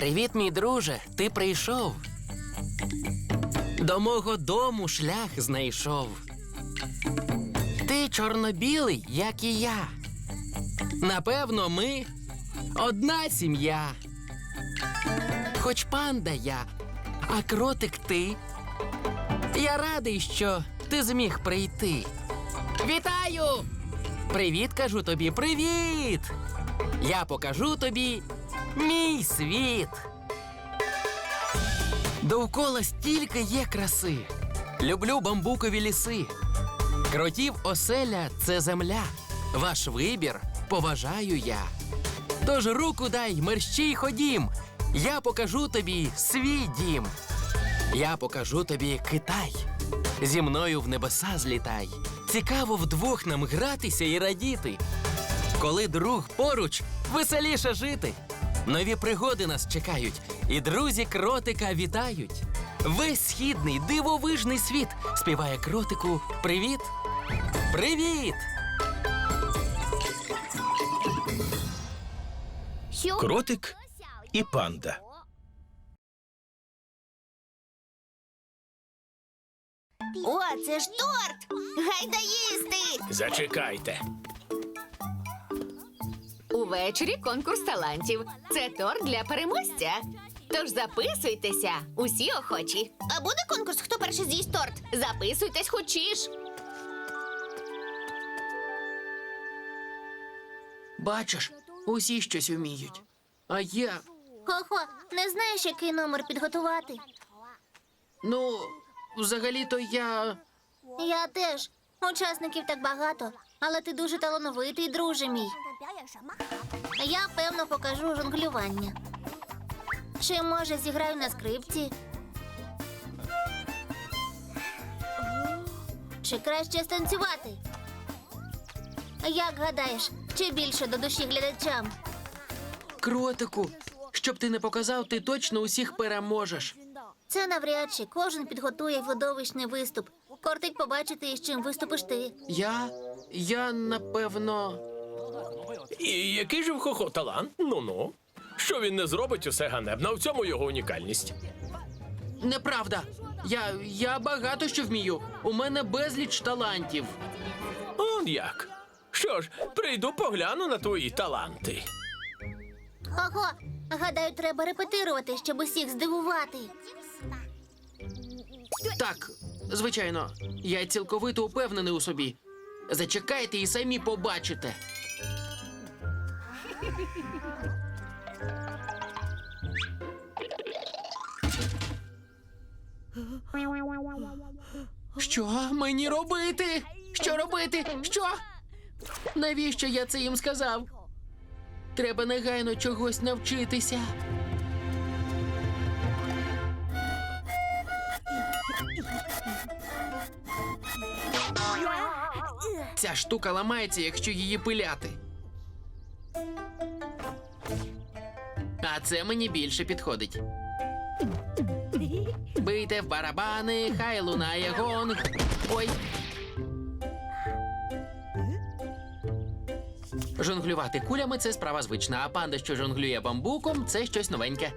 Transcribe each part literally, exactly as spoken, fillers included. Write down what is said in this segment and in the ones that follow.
Привіт, мій друже, ти прийшов. До мого дому шлях знайшов. Ти чорно-білий, як і я. Напевно, ми одна сім'я. Хоч панда я, а кротик ти. Я радий, що ти зміг прийти. Вітаю! Привіт, кажу тобі, привіт! Я покажу тобі мій світ. Довкола стільки є краси. Люблю бамбукові ліси. Кротів оселя – це земля. Ваш вибір поважаю я. Тож руку дай, мерщій ходім. Я покажу тобі свій дім. Я покажу тобі Китай. Зі мною в небеса злітай. Цікаво вдвох нам гратися і радіти. Коли друг поруч, веселіше жити. Нові пригоди нас чекають, і друзі кротика вітають. Весь східний дивовижний світ співає кротику «Привіт! Привіт!» Кротик і панда. О, це ж торт! Гайда їсти! Зачекайте. Увечері конкурс талантів. Це торт для переможця. Тож записуйтеся, усі охочі. А буде конкурс, хто перший з'їсть торт? Записуйтесь хочеш. Бачиш, усі щось вміють. А я, Хо-хо, не знаєш, який номер підготувати? ну, взагалі-то я... Я теж. Учасників так багато, але ти дуже талановитий, друже мій. Я, певно, покажу жонглювання. Чи, може, зіграю на скрипці? Чи краще станцювати? Як гадаєш, чи більше до душі глядачам? Кротику, щоб ти не показав, ти точно усіх переможеш. Це навряд чи кожен підготує видовищний виступ. Кортить побачити, із чим виступиш ти. Я... я, напевно... І який же в Хо-Хо талант? Ну-ну. Що він не зробить, усе ганебно. В цьому його унікальність. Неправда. Я... я багато що вмію. У мене безліч талантів. Он як. Що ж, прийду погляну на твої таланти. Ого, гадаю, треба репетирувати, щоб усіх здивувати. Так, звичайно, я цілковито упевнений у собі. Зачекайте і самі побачите. Що мені робити? Що робити? Що? Навіщо я це їм сказав? Треба негайно чогось навчитися. Ця штука ламається, якщо її пиляти. А це мені більше підходить. Бийте в барабани, хай лунає гонг. Ой. Жонглювати кулями – це справа звична, а панда, що жонглює бамбуком – це щось новеньке.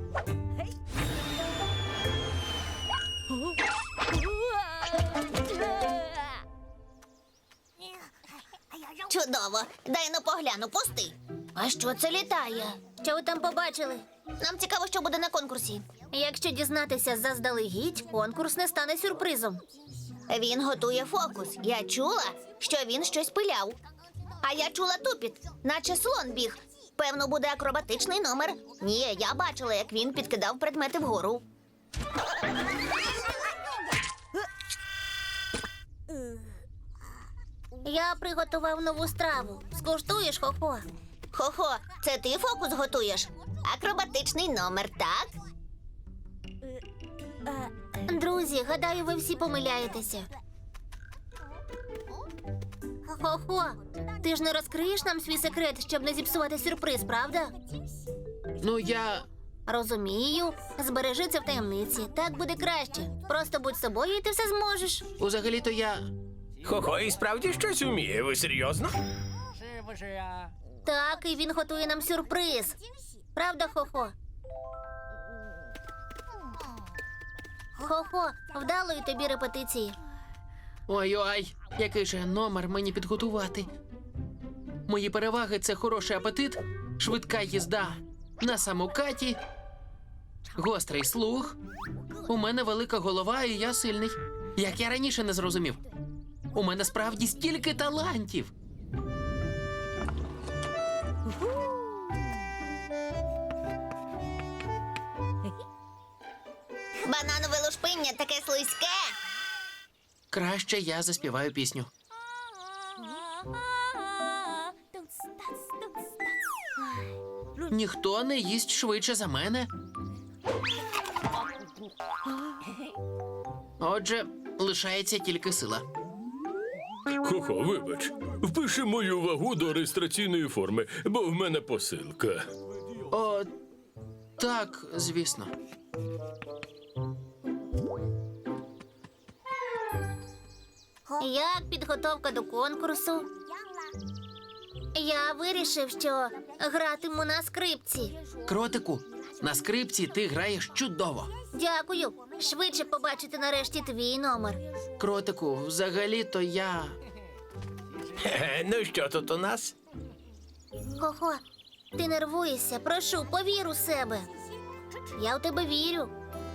Чудово. Дай ну погляну, пусти. А що це літає? Що ви там побачили? Нам цікаво, що буде на конкурсі. Якщо дізнатися заздалегідь, конкурс не стане сюрпризом. Він готує фокус. Я чула, що він щось пиляв. А я чула тупіт, наче слон біг. Певно, буде акробатичний номер. Ні, я бачила, як він підкидав предмети вгору. Я приготував нову страву. Скуштуєш, Хо-Хо? Хо-Хо, це ти фокус готуєш? Акробатичний номер, так? Друзі, гадаю, ви всі помиляєтеся. Хо-Хо, ти ж не розкриєш нам свій секрет, щоб не зіпсувати сюрприз, правда? Ну, я... Розумію. Збережи це в таємниці. Так буде краще. Просто будь собою і ти все зможеш. Узагалі-то я... Хо-Хо і справді щось вміє. Ви серйозно? Так, і він готує нам сюрприз. Правда, Хо-Хо? Хо-хо, вдалої тобі репетиції. Ой-ой, який же номер мені підготувати? Мої переваги – це хороший апетит, швидка їзда на самокаті, гострий слух. У мене велика голова, і я сильний. Як я раніше не зрозумів. У мене справді стільки талантів. Бананове лушпиння таке слизьке. Краще я заспіваю пісню. Ніхто не їсть швидше за мене. Отже, лишається тільки сила. Хо-хо, вибач. Впиши мою вагу до реєстраційної форми, бо в мене посилка. О, так, звісно. Як підготовка до конкурсу? Я вирішив, що гратиму на скрипці. Кротику, на скрипці ти граєш чудово. Дякую. Швидше побачити нарешті твій номер. Кротику, взагалі-то я... Хе-хе, ну що тут у нас? Хо-хо, ти нервуєшся. Прошу, повір у себе. Я у тебе вірю.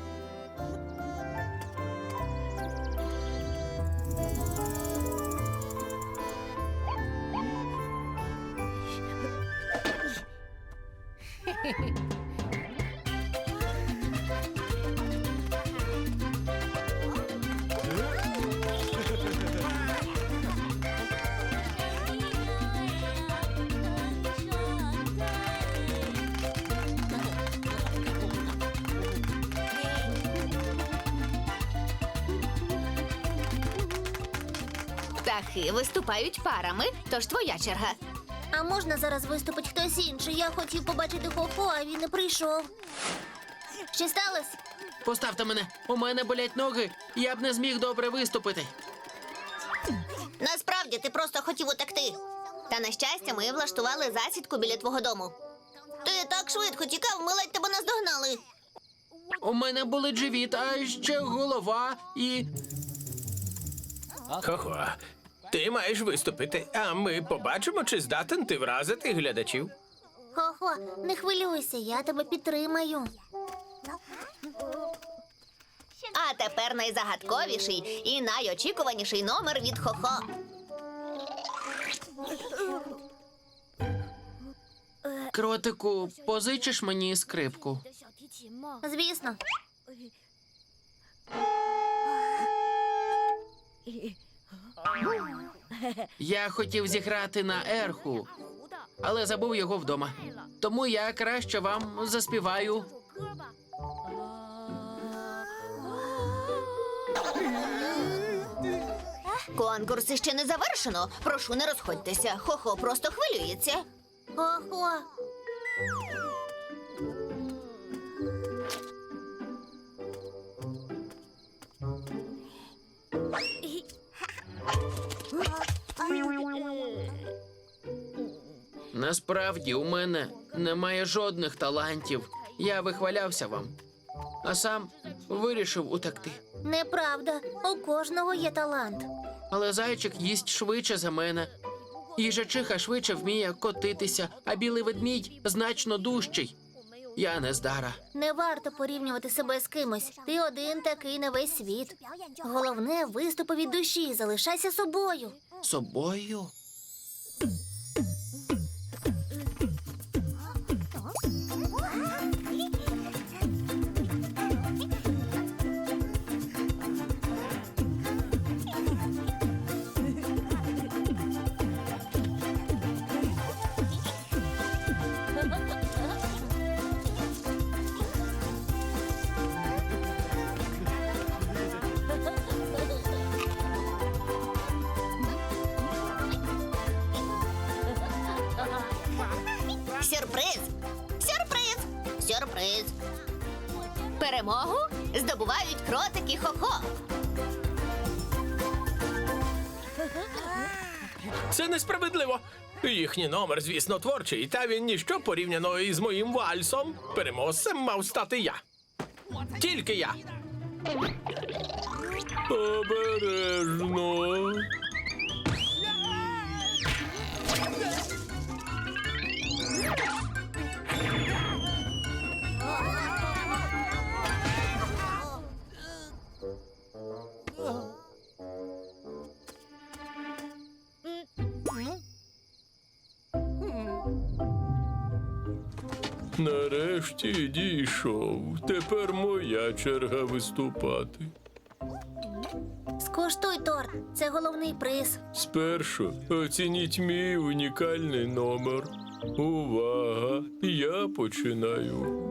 Птахи виступають парами, тож твоя черга. А можна зараз виступить хтось інший? Я хотів побачити Хо-Хо, а він не прийшов. Що сталося? Поставте мене, у мене болять ноги, я б не зміг добре виступити. Насправді, ти просто хотів утекти. Та, на щастя, ми влаштували засідку біля твого дому. Ти так швидко тікав, ми ледь тебе наздогнали. У мене болить живіт, а ще голова і... Хо-хо, ти маєш виступити, а ми побачимо, чи здатен ти вразити глядачів. Хо-Хо, не хвилюйся, я тебе підтримаю. А тепер найзагадковіший і найочікуваніший номер від Хо-Хо. Кротику, позичиш мені скрипку? Звісно. Я хотів зіграти на ерху, але забув його вдома. Тому я краще вам заспіваю. Конкурс ще не завершено. Прошу, не розходьтеся. Хо-Хо просто хвилюється. Хо-Хо. Насправді у мене немає жодних талантів. Я вихвалявся вам, а сам вирішив утекти. Неправда. У кожного є талант. Але зайчик їсть швидше за мене. Їжачиха швидше вміє котитися, а білий ведмідь значно дужчий. Я нездара. Не варто порівнювати себе з кимось. Ти один такий на весь світ. Головне, виступи від душі. Залишайся собою. Собою? Сюрприз! Сюрприз! Сюрприз! Перемогу Здобувають кротики Хо-Хо. Це несправедливо. Їхній номер, звісно, творчий, та він ніщо порівняно із моїм вальсом. Переможцем мав стати я. Тільки я. Обережно. Нарешті дійшов. Тепер моя черга виступати. Скуштуй торт. Це головний приз. Спершу оцініть мій унікальний номер. Увага! Я починаю.